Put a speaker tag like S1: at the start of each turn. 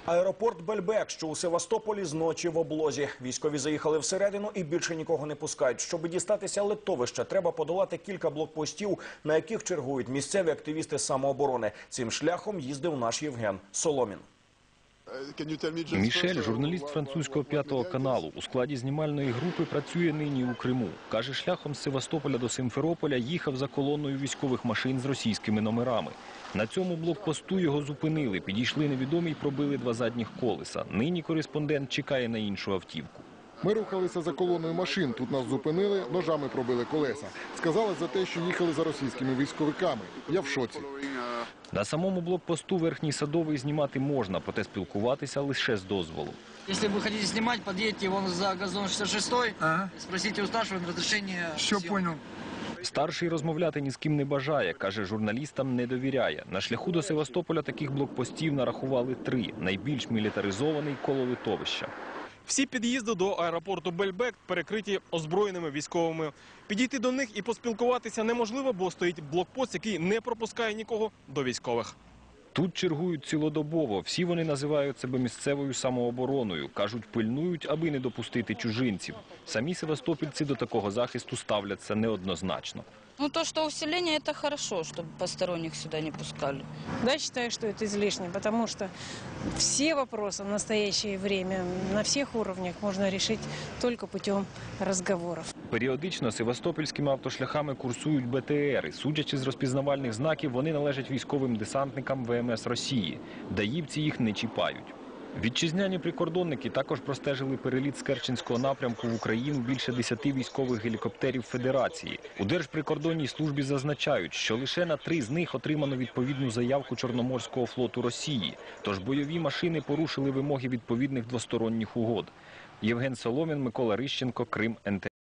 S1: Аеропорт Бельбек, що у Севастополі, зночі в облозі. Військові заїхали всередину і більше нікого не пускають. Щоб дістатися литовища, треба подолати кілька блокпостів, на яких чергують місцеві активісти самооборони. Цим шляхом їздив наш Євген Соломін.
S2: Мішель, журналіст французького 5-го каналу, у складі знімальної групи працює нині у Криму. Каже, шляхом з Севастополя до Симферополя їхав за колоною військових машин з російськими номерами. На цьому блокпосту його зупинили, підійшли невідомі й пробили 2 задніх колеса. Нині кореспондент чекає на іншу автівку.
S3: Ми рухалися за колоною машин, тут нас зупинили, ножами пробили колеса. Сказали за те, що їхали за російськими військовиками. Я в шоці.
S2: На самому блокпосту Верхній Садовий знімати можна, проте спілкуватися лише з дозволу.
S4: Якщо ви хочете знімати, під'їдьте вон за газон 66-й, спросіть у старшого розрішення.
S5: Все, понял.
S2: Старший розмовляти ні з ким не бажає, каже, журналістам не довіряє. На шляху до Севастополя таких блокпостів нарахували 3, найбільш мілітаризований коло литовища.
S6: Всі під'їзди до аеропорту Бельбек перекриті озброєними військовими. Підійти до них і поспілкуватися неможливо, бо стоїть блокпост, який не пропускає нікого до військових.
S2: Тут чергують цілодобово. Всі вони називають себе місцевою самообороною. Кажуть, пильнують, аби не допустити чужинців. Самі севастопільці до такого захисту ставляться неоднозначно.
S7: Ну, то, что усиление, это хорошо, чтобы посторонних сюда не пускали.
S8: Да, считаю, что это излишне, потому что все вопросы в настоящее время на всех уровнях можно решить только путем разговоров.
S2: Періодично севастопільськими автошляхами курсують БТРи. Судячи з розпізнавальних знаків, вони належать військовим десантникам ВМС Росії. Даївці їх не чіпають. Вітчизняні прикордонники також простежили переліт з Керченського напрямку в Україну більше 10 військових гелікоптерів Федерації. У Держприкордонній службі зазначають, що лише на 3 з них отримано відповідну заявку Чорноморського флоту Росії. Тож бойові машини порушили вимоги відповідних двосторонніх угод. Євген Соломін, Микола Рищенко, Крим, НТ.